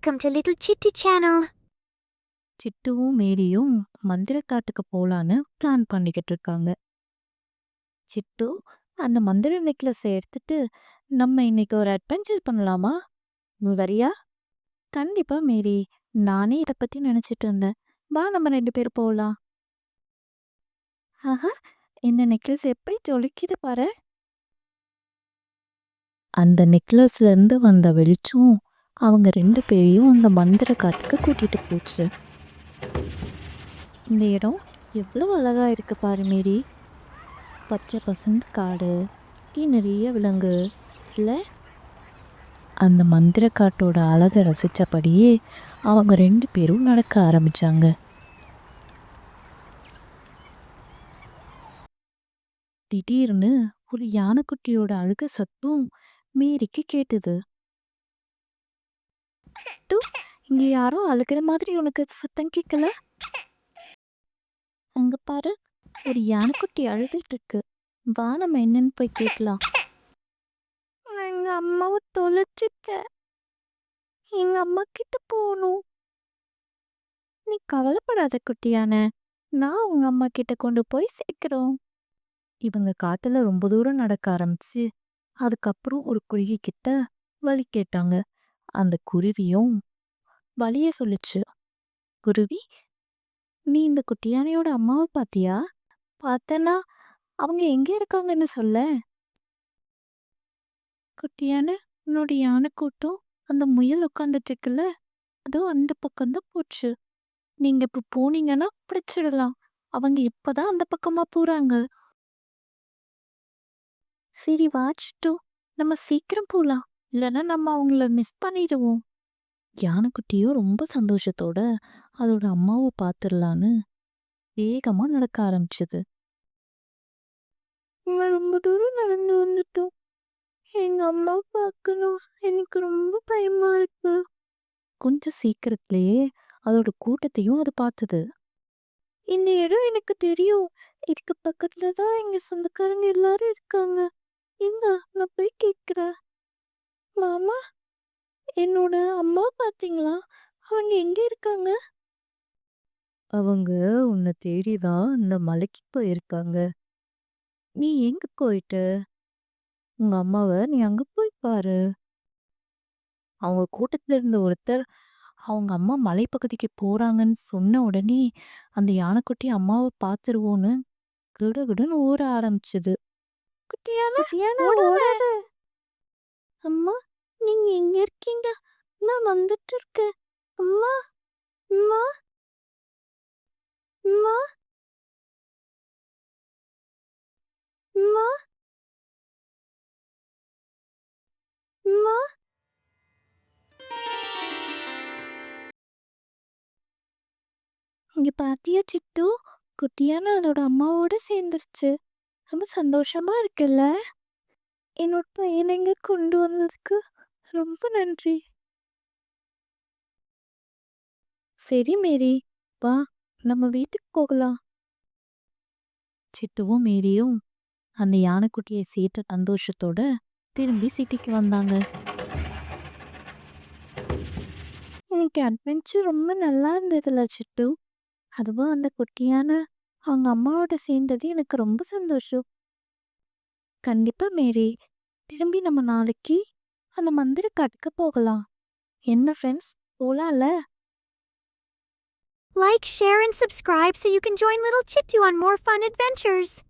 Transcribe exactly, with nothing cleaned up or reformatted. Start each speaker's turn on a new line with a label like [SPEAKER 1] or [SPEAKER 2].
[SPEAKER 1] Welcome to Little Chitty Channel.
[SPEAKER 2] சிட்டுவும் மேரியும் மந்திரக்காட்டுக்கு போலான்னு plan பண்ணிக்கிட்டு இருக்காங்க. சிட்டு அந்த மந்திர நெக்லஸை எடுத்துட்டு நம்ம இன்னைக்கு ஒரு அட்வென்ச்சர் பண்ணலாமா? நீ வரியா? கண்டிப்பா மேரி. நானே இதை பத்தி நினைச்சிட்டு இருந்தேன். வா நம்ம ரெண்டு பேரும் போகலாம். ஆஹா, இந்த நெக்லஸ் எப்படி ஜொலிக்குது பாரு. அந்த நெக்லஸ்ல இருந்து வந்த வெளிச்சம் அவங்க ரெண்டு பேரையும் அந்த மந்திர காட்டுக்கு கூட்டிட்டு போச்சு. இந்த இடம் எவ்வளோ அழகா இருக்கு பாரு மேரி. பச்சை பசந்த் காடு, சுத்தி நிறைய விலங்கு இல்லை? அந்த மந்திர காட்டோட அழகை ரசித்தபடியே அவங்க ரெண்டு பேரும் நடக்க ஆரம்பிச்சாங்க. திடீர்னு ஒரு யானைக்குட்டியோட அழுக சத்தம் மேரிக்கு கேட்டுது. டு, இங்க யாரோ அழுகிற மாதிரி உனக்கு சத்தம் கேட்கல? அங்க பாரு, ஒரு யானைக்குட்டி அழுதுட்டு இருக்கு. வா நம்ம என்னன்னு போய் கேட்கலாம். எங்க அம்மாவை தொலைச்சிட்ட. எங்க அம்மா கிட்ட போகணும். நீ கவலைப்படாத குட்டியான, நான் உங்க அம்மா கிட்ட கொண்டு போய் சேர்க்கிறோம். இவங்க காட்டுல ரொம்ப தூரம் நடக்க ஆரம்பிச்சு அதுக்கப்புறம் ஒரு குருவி கிட்ட வழி கேட்டாங்க. அந்த குருவியும் வழிய சொல்லுச்சு. குருவி, நீ இந்த குட்டியானையோட அம்மாவை பாத்தியா? பார்த்தனா, அவங்க எங்க இருக்காங்கன்னு சொல்ல. குட்டியான, உன்னோட யானை கூட்டம் அந்த முயல் உட்காந்துட்டு இருக்குல்ல, அதுவும் அந்த பக்கம்தான் போச்சு. நீங்க இப்ப போனீங்கன்னா பிடிச்சிடலாம். அவங்க இப்பதான் அந்த பக்கமா போறாங்க. சரி வாச்சிட்டோ, நம்ம சீக்கிரம் போலாம், இல்லைன்னா நம்ம அவங்கள மிஸ் பண்ணிடுவோம். யானைக்குட்டியும் ரொம்ப சந்தோஷத்தோட அதோட அம்மாவை பார்த்துடலான்னு வேகமா நடக்க ஆரம்பிச்சது. ரொம்ப தூரம் நடந்து வந்துட்டோம். எங்க அம்மா பார்க்கணும், எனக்கு ரொம்ப பயமா இருக்கு. கொஞ்சம் சீக்கிரத்திலேயே அதோட கூட்டத்தையும் அது பார்த்தது. இந்த இடம் எனக்கு தெரியும். இதுக்கு பக்கத்துல தான் எங்க சொந்தக்காரங்க எல்லாரும் இருக்காங்க. இங்க நான் போய் கேட்கிறேன். மாமா, என்னோட அம்மா பாத்தீங்களா? அவங்க எங்க இருக்காங்க? அவங்க உன்னை தேடிதான் இந்த மலைக்கு போயிருக்காங்க. நீ எங்க போயிட்ட? உங்க அம்மாவை நீ அங்க போய் பாரு. அவங்க கூட்டத்துல இருந்த ஒருத்தர் அவங்க அம்மா மலைப்பகுதிக்கு போறாங்கன்னு சொன்ன உடனே அந்த யானைக்குட்டி அம்மாவை பார்த்துருவோன்னு கிடுகிடுன்னு ஓட ஆரம்பிச்சது. குட்டியான, ஓடாத. அம்மா, நீங்க எங்க இருக்கீங்க? நான் வந்துட்டு இருக்கேன். அம்மா, அம்மா, அம்மா, அம்மா, அம்மா. இங்க பாத்தியா சிட்டு, குட்டியான அதோட அம்மாவோட சேர்ந்துருச்சு. ரொம்ப சந்தோஷமா இருக்குல்ல? என்னோட பையனை இங்க கொண்டு வந்ததுக்கு ரொம்ப நன்றி. சரி மேரி, வா நம்ம வீட்டுக்கு போகலாம். சிட்டுவும் மேரியும் அந்த யானைக்குட்டியை சேர்த்த சந்தோஷத்தோட திரும்பி சிட்டிக்கு வந்தாங்க. இன்னைக்கு அட்வென்ச்சர் ரொம்ப நல்லா இருந்ததுல சிட்டு. அதுவும் அந்த குட்டியான அவங்க அம்மாவோட சேர்ந்தது எனக்கு ரொம்ப சந்தோஷம். கண்டிப்பா மேரி, திரும்பி நம்ம நாளைக்கு அந்த மந்திர காட்டுக்கு போகலாம். என்ன ஃப்ரெண்ட்ஸ், போலாம்ல?
[SPEAKER 1] Like, share, and subscribe so you can join Little Chitty on more fun adventures.